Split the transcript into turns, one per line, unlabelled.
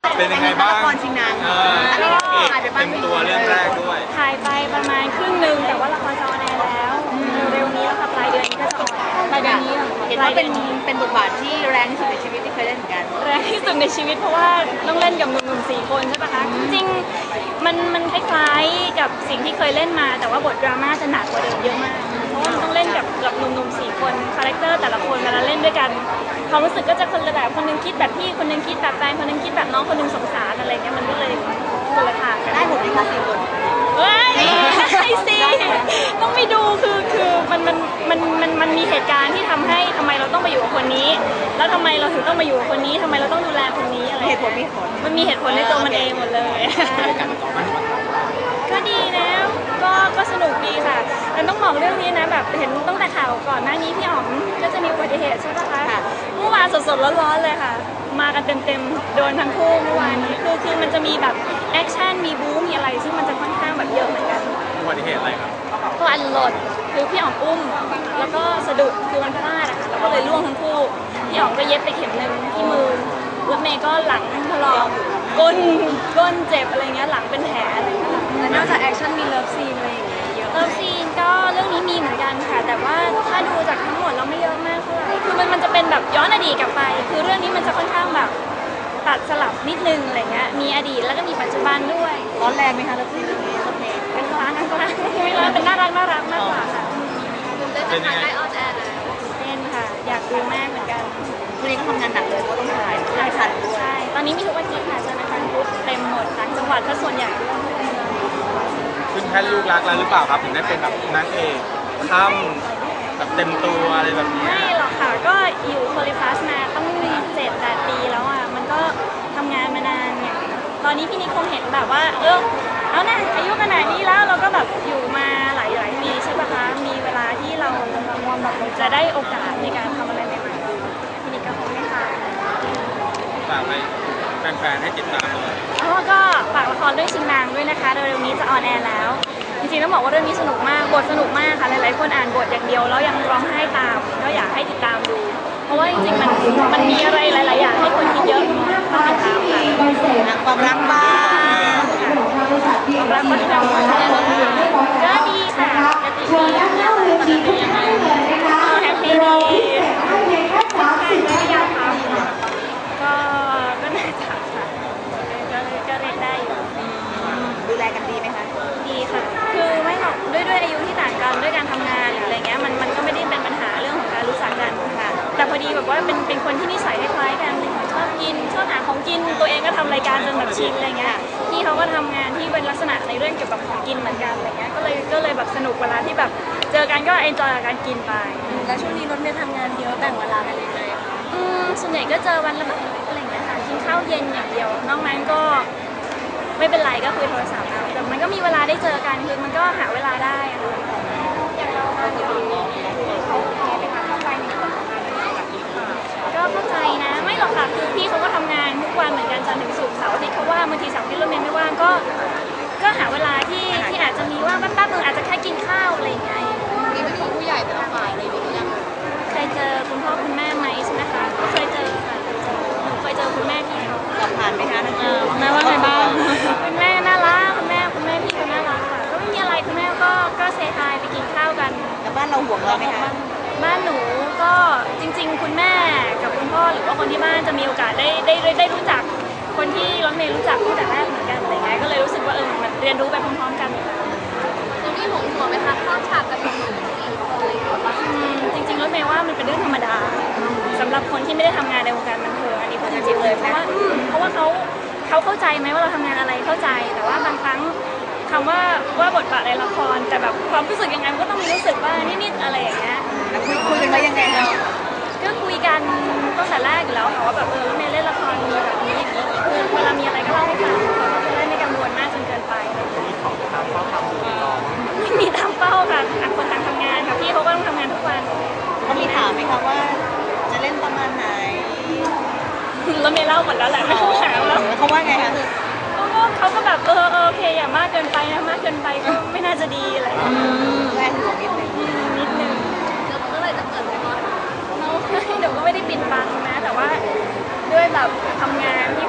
เป็นยังไงบ้าง
ละครชิงนางอันนี้ถ่ายไปบ้าง
เต็มตัวเรื่องแรกด้วย
ถ่ายไปประมาณครึ่งหนึ่งแต่ว่าละครจะออนแอร์แล้วเร็วนี้แล้วค่ะปลายเดือนนี้ก็จะออนแอร์ปลายเดือนนี้
เห็นว่าเป็นบทบาทที่แรงที่สุดในชีวิตที่เคยเล่นเหมือนกัน
แรงที่สุดในชีวิตเพราะว่าต้องเล่นกับหนุ่มๆ4 คนใช่ปะคะจริงๆมันคล้ายๆกับสิ่งที่เคยเล่นมาแต่ว่าบทดราม่าจะหนักกว่าเดิมเยอะมากเพราะว่ามันต้องเล่นกับหนุ่มๆ4 คนคาแรคเตอร์แต่ละคนเวลาเล่นด้วยกันความรู้สึกก็จะคนละแบบคนนึงคิดแบบพี่คนนึงคิดแบบแฟนคนนึงคิดแบบน้องคนนึงสงสารอะไรเงี้ยมันก็เลยคนละทางกัน
ได้หมดเลยค่ะ4 คน
เฮ้ยให้สิต้องไปดูคือมันมีเหตุการณ์ที่ทำไมเราต้องไปอยู่กับคนนี้แล้วทำไมเราถึงต้องมาอยู่กับคนนี้ทำไมเราต้องดูแลคนนี้อะไร
เหตุผล
มันมีเหตุผลในตัวมันเองหมดเลยก็ดีนะก็สนุกดีค่ะแต่ต้องบอกเรื่องนี้นะแบบเห็นตั้งแต่ข่าวก่อนหน้านี้พี่อ๋อมก็จะมีอุบัติเหตุใช่ปะคะเมื่อวานสดๆร้อนๆเลยค่ะมากันเต็มโดนทั้งคู่เมื่อวานนี้คือมันจะมีแบบแอคชั่นมีบู๊มีอะไรซึ่งมันจะค่อนข้างแบบเยอะเหมือนกัน
อุบัติเหตุอะไรครับ
ก็อันหล่นคือพี่อ๋อมอุ้มแล้วก็สะดุดคือมันพลาดอะค่ะแล้วก็เลยล่วงทั้งคู่พี่อ๋อมก็เย็บไปเข็มนึงที่มือรถเมย์ก็หลังถลอกก้นเจ็บอะไรเงี้ยหลังเป็นแผลอะไรเงี้ย
แล้วนอกจากแอคชั่นมีเลิฟซีนอะไรอย่างเงี้ยเยอะ
เลิฟซีนก็เรื่องนี้มีเหมือนกันค่ะแต่ว่าถ้าดูจากทั้งหมดเราไม่เยอะมากเท่าไหร่คือมันจะเป็นแบบย้อนอดีตกลับไปคือเรื่องนี้มันจะค่อนข้างแบบตัดสลับนิดนึงอะไรเงี้ยมีอดีตแล้วก็มีปัจจุบันด้วย
ร้อนแรงไหมคะเลิฟซีนเรื่องนี้รถเมย์
เป็นกลางไม่ร้อนเป็นน่ารักมากกว่าค่ะ
เป็นยังไง
เต้นค่ะอยากดูมากเหมือนกัน
วันนี้ก็ทำงานหนักเลยเพราะต้องถ่ายทันด้วย
ใช่ตอนนี้มีทุกวันอาทิตย์ค่ะจะเป็นวันพุธเต็มหมดต่างจังหวัดก็ส่วนใหญ่ด้วย
ขึ้นแค่ลูกรักแล้วหรือเปล่าครับถึงได้เป็นแบบนางเอกค่ำแบบเต็มตัวอะไรแบบนี้
ไม่หรอกค่ะก็อยู่โพลิพลัสมาต้อง7-8 ปีแล้วอ่ะมันก็ทำงานมานานเนี่ยตอนนี้พี่นิคคงเห็นแบบว่าเอานะอายุขนาดนี้แล้วเราก็แบบอยู่มาหลายปีใช่ปะคะมีเวลาที่เราแบบจะได้โอกาสในการทำอะไรใหม่ๆพี่นิคก็คงไม่ค่ะ
ฝากไปแฟนๆให้ติดตามเลย
ก็ฝากละครเรื่องชิงนางด้วยนะคะเร็วๆนี้จะออนแอร์แล้วจริงๆต้องบอกว่าเรื่องนี้สนุกมากบทสนุกมากค่ะหลายๆคนอ่านบทอย่างเดียวแล้วยังร้องไห้ตามก็อยากให้ติดตามดูเพราะว่าจริงๆมันมีอะไรหลายๆอย่างให้คนคิดเยอะต้องติดตามค่ะ
ความรักบ้าง
ความรักก็ทำก็ดีค่ะปกติดีแฮปปี้ดีก็อยากทำก็น่าจะค่ะก็เล่นได้อยู่
ดูแลกันดีไหมคะ
ดีค่ะคือไม่หรอกด้วยอายุที่ต่างกันด้วยการทำงานหรืออะไรเงี้ยมันก็ไม่ได้เป็นปัญหาเรื่องของการรู้จักกันค่ะแต่พอดีแบบว่าเป็นคนที่นิสัยคล้ายๆกันชอบกินชอบหาของกินตัวเองก็ทำรายการจนแบบชินอะไรเงี้ยพี่เขาก็ทำงานที่เป็นลักษณะในเรื่องเกี่ยวกับของกินเหมือนกันอะไรเงี้ยก็เลยแบบสนุกเวลาที่แบบเจอกันก็เอนจอยกับการกินไป
แล้วช่วงนี้รถเมย์ทำงานเยอะแบ่งเวลากันยังไง
ส่วนใหญ่ก็เจอวันละแบบอะไรเงี้ยค่ะกินข้าวเย็นอย่างเดียวนอกนั้นก็ไม่เป็นไรก็คุยโทรศัพท์เอาแต่มันก็มีเวลาได้เจอกันคือมันก็หาเวลาได้อย่างเราเขาแพ้ไปค่ะเข้าไปในส่วนของงานก็เข้าใจนะไม่หรอกค่ะคือพี่เขาก็ทำงานทุกวันเหมือนกันจันทร์ถึงศุกร์เสาร์อาทิตย์เขาว่าบางทีเสาร์อาทิตย์รถเมย์ไม่ว่างก็หาเวลาที่อาจจะมีว่างแป๊บๆนึงอาจจะแค่กินข้าวอะไรอย่างเงี้ย
มีไม่มีผู้ใหญ่แต่ละฝ่ายอะไรอย่างเงี้ย
เคยเจอคุณพ่อคุณแม่ไหมใช่ไหมคะก็เคยเจอค่ะเคยเจอคุณแม่พี่เขา
สอบผ่านไหมคะ
แม่ว่าไงบ้างคุณแม่น่ารักคุณแม่พี่ก็น่ารักค่ะก็ไม่มีอะไรคุณแม่ก็เซฮายไปกินข้าวกัน
แล้วบ้านเราห่วงเราไหมคะ
บ้านหนูก็จริงๆคุณแม่กับคุณพ่อหรือว่าคนที่บ้านจะมีโอกาสได้รู้จักคนที่รถเมย์รู้จักตั้งแต่แรกเหมือนกันอะไรเงี้ยก็เลยรู้สึกว่ามันเรียนรู้ไปพร้อมๆกัน
จะมีห่วงไหมคะข้าวฉากกับหนุ่ม
จริงๆรถเมย์ว่ามันเป็นเรื่องธรรมดาสำหรับคนที่ไม่ได้ทำงานในวงการบันเทิงอันนี้พูดจริงๆเลยเพราะว่าเขาเข้าใจไหมว่าเราทำงานอะไรเข้าใจแต่ว่าบางครั้งคำว่าบทบาทในละครแต่แบบความรู้สึกยังไงมันก็ต้องมีรู้สึกว่านิดๆอะไรอย่างเงี้ย
แล้วคุยกันว่ายังไงคะ
ก็คุยกันตั้งแต่แรกอยู่แล้วค่ะว่าแบบเมย์เล่นละครมีแบบนี้อย่างนี้คือเวลามีอะไรก็เล่าให้ฟังเขาก็จะได้ไม่กังวลมากจนเกินไปไม่มีตามเป้าค่ะต่างคนต่างทำงานค่ะพี่เขาก็ต้องทำงานทุกวัน
เขามีถามไหมคะว่าจะเล่นประมาณไหน
แล้วเมย์เล่าหมดแล้วแหละไม่ต้องถามแล้ว
เขาว่าไงคะ
เขาก็แบบโอเคอย่ามากเกินไปนะมากเกินไปก็ไม่น่าจะดีอะไร
แรงห่วง
นิดนึง
แล้วเมื่อไหร่จะเกิดไหมคะ
หนูก็ไม่ได้ปิดบังนะแต่ว่าด้วยแบบทำงานที่